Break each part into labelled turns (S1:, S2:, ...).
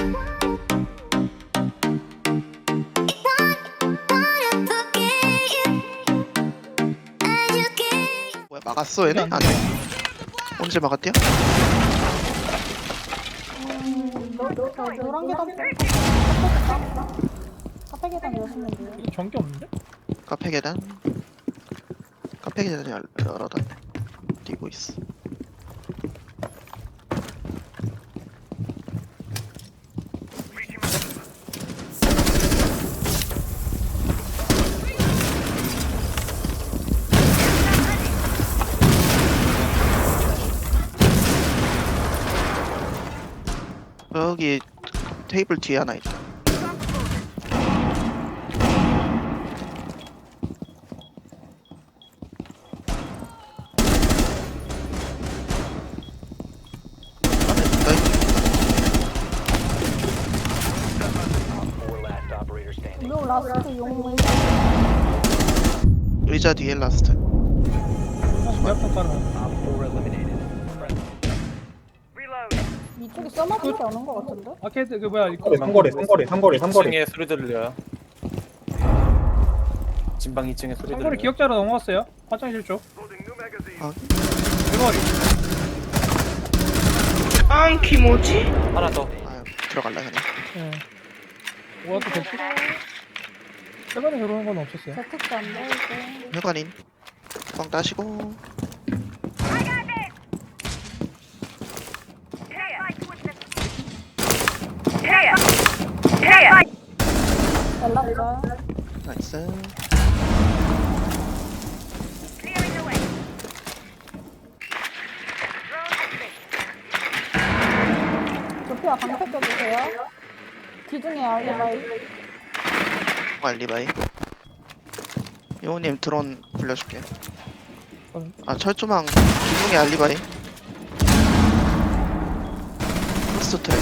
S1: 뭐야 막았어 얘네? 아니 언제 막았대요?
S2: 노란 계단 카페 계단 여시면 돼요.
S3: 이거 전기 없는데?
S1: 카페 계단 카페 계단이 열어놨네. 뛰고 있어. 여기 테이블 뒤에 하나 있다.
S2: 로 라스트 용
S1: 의자 뒤에 라스트.
S3: 대학생 따라.
S2: 이쪽에 써마밖에 안 온 것 같은데?
S3: 아케이드 그 뭐야 이거
S4: 삼거리
S5: 2층에 소리 들려요. 진방 2층에 소리
S3: 상거리
S5: 들려요.
S3: 기억자로 넘어갔어요. 화장실 쪽.
S1: 아.
S3: 대박이.
S1: 앙키 뭐지?
S5: 하나 더.
S1: 아 들어갈라 그냥.
S3: 예. 뭐가 또 됐지? 최근에 들어오는 건 없었어요.
S2: 재택도 안 되고
S1: 회관인 뻥 따시고.
S2: 연락줘요.
S1: 나이스.
S2: 조피아 방패 껴주세요. 기둥에 알리바이.
S1: 알리바이. 요우님 드론 굴려줄게. 아 철조망 기둥의 알리바이. 포스트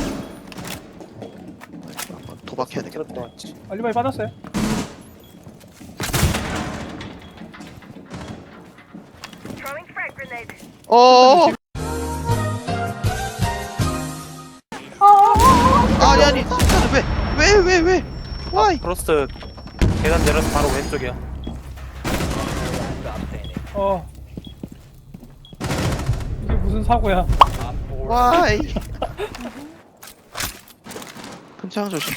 S1: 한번 도박해야 되겠다.
S5: 트럭 왔지.
S3: 알리바이 받았어요.
S1: 어. 아니 진짜 왜? 와이.
S5: 프로스트 계단 내려서 바로 왼쪽이야.
S3: 이게 무슨 사고야?
S1: 와이. 큰창 조심.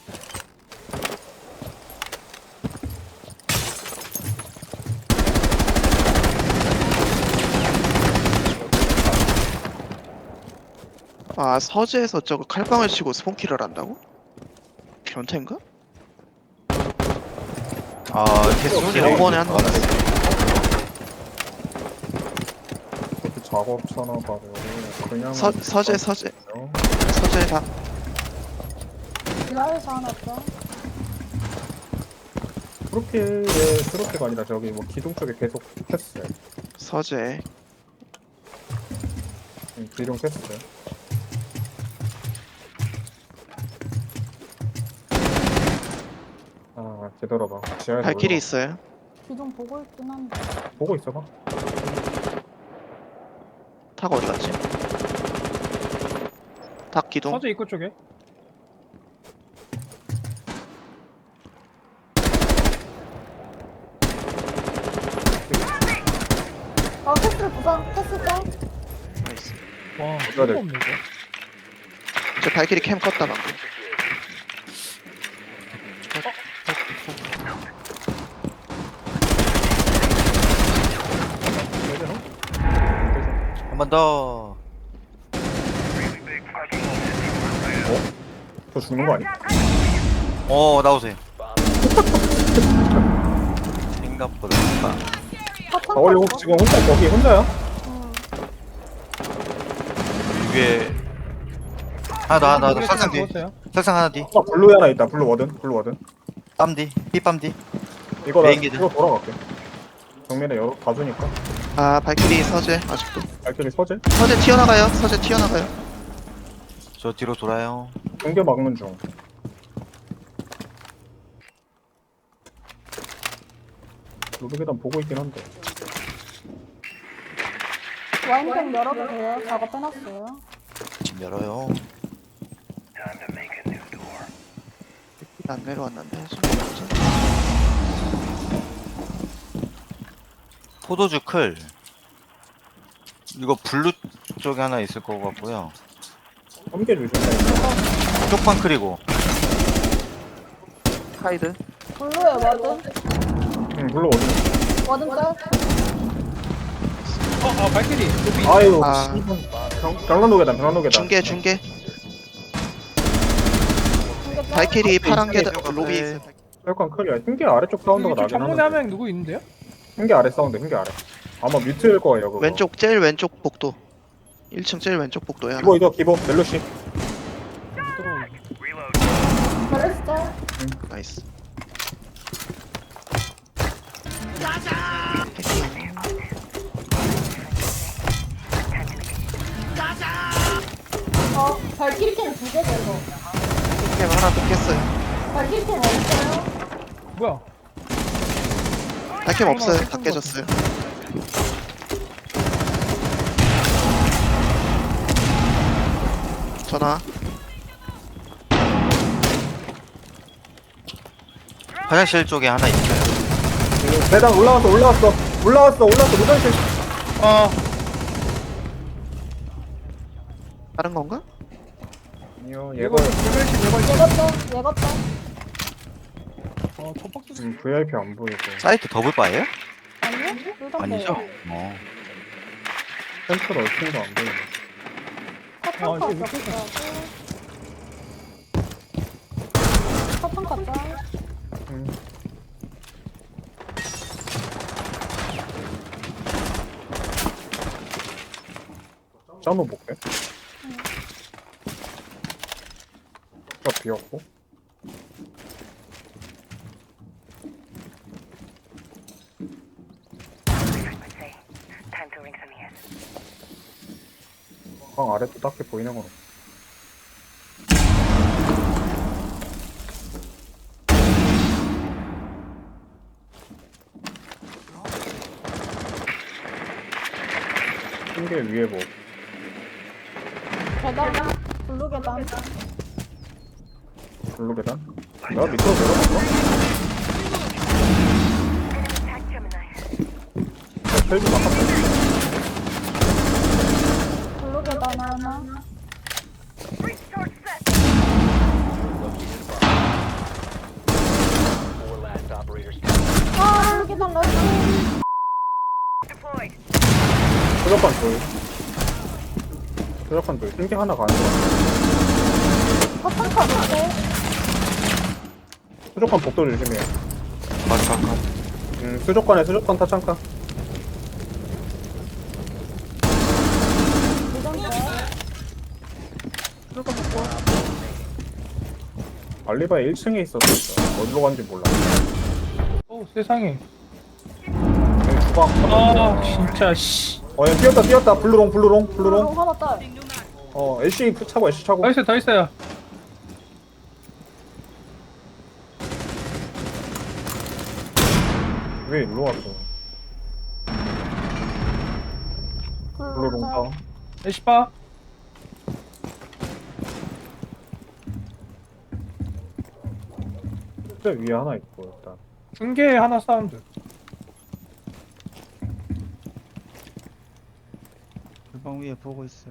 S1: 아 서재에서 저거 칼빵을 치고 스폰키를 한다고? 변태인가?
S6: 아, 계속
S1: 5번에 한 번.
S4: 작업차나 봐요. 그냥
S1: 서재 서재 다
S2: 지하에서 하나 줘.
S4: 그렇게가 아니라 저기 뭐 기둥 쪽에 계속 했어요.
S1: 서재.
S4: 기둥 했어요. 아 되돌아봐. 지하에서
S1: 발길이
S4: 올라가.
S1: 있어요.
S2: 기둥 보고 있긴 한데.
S4: 보고 있어봐.
S1: 탁 어디 갔지? 탁 기둥.
S3: 서재 입구 쪽에.
S2: 패스를 부상. 패스 짱.
S1: 나이스.
S3: 와,
S4: 돼.
S3: 이거 없네 이거.
S1: 저 발길이 캠 껐다 방금.
S6: 한 번 더.
S4: 저 죽는 거 아니야?
S6: 나오세요. 생각보다.
S4: 원래 혹시 지금 거기 혼자야?
S6: 위에 하나 더 설상 뒤.
S3: 죽었어요.
S6: 설상 하나 뒤.
S4: 블루에 하나 있다. 블루 워든.
S6: 빰 뒤. 삐빰 뒤.
S4: 이거 나
S6: 메인 기둥.
S4: 이거 돌아갈게. 정면에 여러 봐주니까.
S1: 아 발길이 서재 아직도.
S4: 발길이 서재?
S1: 서재 튀어나가요. 서재 튀어나가요.
S6: 저 뒤로 돌아요.
S4: 공개 막는 중. 로드 계단 보고 있긴 한데.
S2: 와인병 열어도 돼요. 작업 해놨어요.
S6: 지금 열어요.
S1: 안 내려왔는데.
S6: 포도주 클. 이거 블루 쪽에 하나 있을 것 같고요.
S4: 함께 주신다.
S6: 쪽방 클이고.
S1: 카이드.
S2: 블루에 워든.
S4: 응, 물론 어디.
S2: 워든 짤.
S3: 발길이 높이.
S4: 아유,
S1: 아.
S4: 병란노계단, 병란노계단.
S1: 중계.
S2: 중계 짤.
S1: 발키리 파란 계단
S6: 있어요.
S1: 로비
S6: 네.
S1: 있어요.
S4: 약간 클이야. 흰개 아래쪽 사운드가
S3: 이쪽
S4: 나긴
S3: 정문에
S4: 하는데.
S3: 한 명 누구 있는데요?
S4: 흰개 아래 사운드, 흰개 아래. 아마 뮤트일 거예요, 그거.
S1: 왼쪽 제일 왼쪽 복도. 1층 제일 왼쪽 복도야.
S4: 기보, 기보, 멜로시.
S2: 벨레스 짤.
S1: 나이스.
S2: 발키리 캠두 개죠, 이거.
S1: 캠 하나 더 깼어요.
S2: 발키리 캠 어딨어요?
S3: 뭐야?
S1: 캠 없어요. 다 깨졌어요. 전화.
S6: 화장실 쪽에 하나 있어요.
S4: 계단 올라왔어, 무전실.
S1: 다른 건가?
S4: 아니요,
S3: 이거
S4: 얘가
S2: 예갔다.
S3: 첫 박스.
S4: VIP 안 보이고.
S6: 사이트 더블바예요?
S2: 아니요? 둘다
S6: 아니죠?
S2: 돼요.
S4: 센트럴 얼큰도 안 보이고.
S2: 사탕카
S3: 이거
S2: 짤. 사탕카 짤.
S4: 짠호 볼게. 비었고. 방 아래도 딱히 보이는 건 없어. 흰개 위에 뭐.
S2: 계단. 블루 계단.
S4: 블루 계단? 내가 밑으로 내려갔어? 헬기 바깥에.
S2: 블루 계단 하나. 블루 계단 라스트.
S4: 수족관 돌. 수족관 돌. 흰개 하나 가는 거야.
S2: 사탕카 밑에.
S4: 수족관 복도 조심해요.
S6: 맞아.
S4: 수족관 타창카.
S2: 무전 짤.
S4: 알리바이 1층에 있었어. 어디로 간지 몰라.
S3: 세상에.
S4: 여기 주방.
S3: 진짜 씨.
S4: 얘 뛰었다. 블루롱.
S2: 블루 하나 짤.
S4: 애쉬 차고.
S3: 더 있어요.
S4: 왜 일로 왔어? 블루롱
S2: 짤.
S4: 다운.
S3: 에시파.
S4: 저 위에 하나 있고 일단.
S3: 중계 하나 사운드.
S6: 불방 위에 보고 있어요.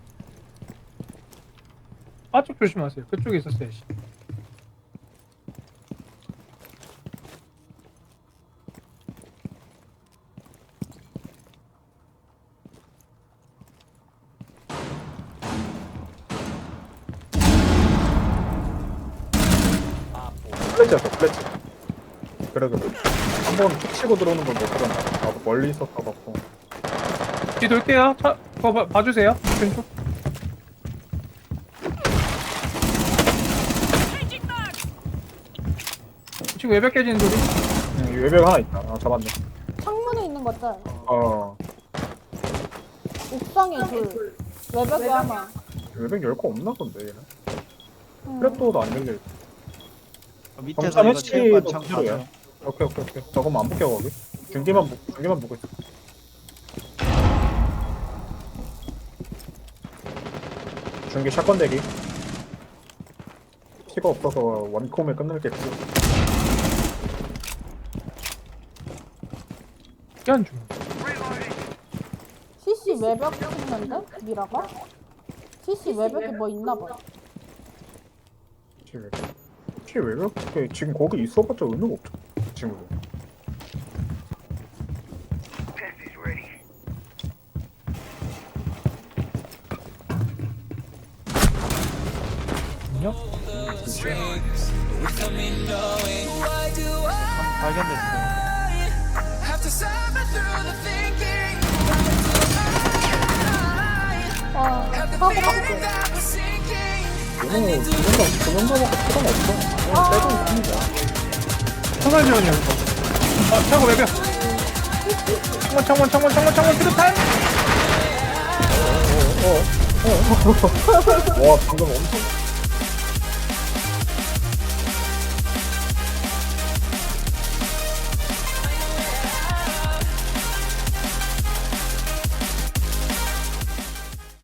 S3: 아쪽 조심하세요. 그쪽에 있었어요. 씨.
S4: 플래치였어. 그래도 한번 툭 치고 들어오는 걸 못 들었나. 나도 멀리 있었어갖고.
S3: 뒤 돌게요. 그거 봐주세요. 왼쪽. 지금 외벽 깨지는 소리.
S4: 외벽 하나 있다. 잡았네.
S2: 창문에 있는 거 짤. 옥상에 둘. 외벽에 하나.
S4: 외벽 열 거 없나 본데 얘는.
S2: 응.
S4: 플랫도어도 안 열려.
S6: 밑에서
S4: 검사
S6: 이거 체육관
S4: 해치도
S6: 창
S4: 필요해요.
S6: 봐줘요.
S4: 오케이. 저거만 안 볼게요 거기. 중계만 보고 있어. 중계 샷건 대기. 피가 없어서 원콤에 끝낼겠지.
S3: 스캔 중.
S2: CC 외벽 찍는데? 미라가? CC 외벽에 뭐 있나봐.
S4: 혹시 왜 그렇게 지금 거기 있어봤자 의미가 없죠. 그 친구.
S3: 안녕?
S6: 발견됐어요.
S2: 아, 사고 방지.
S4: 얘는 도망가면 필요가 없어. 그냥 빼고 있는 거야.
S3: 청산지원이야. 차고 외벽. 창문 수류탄.
S4: 와 방금 엄청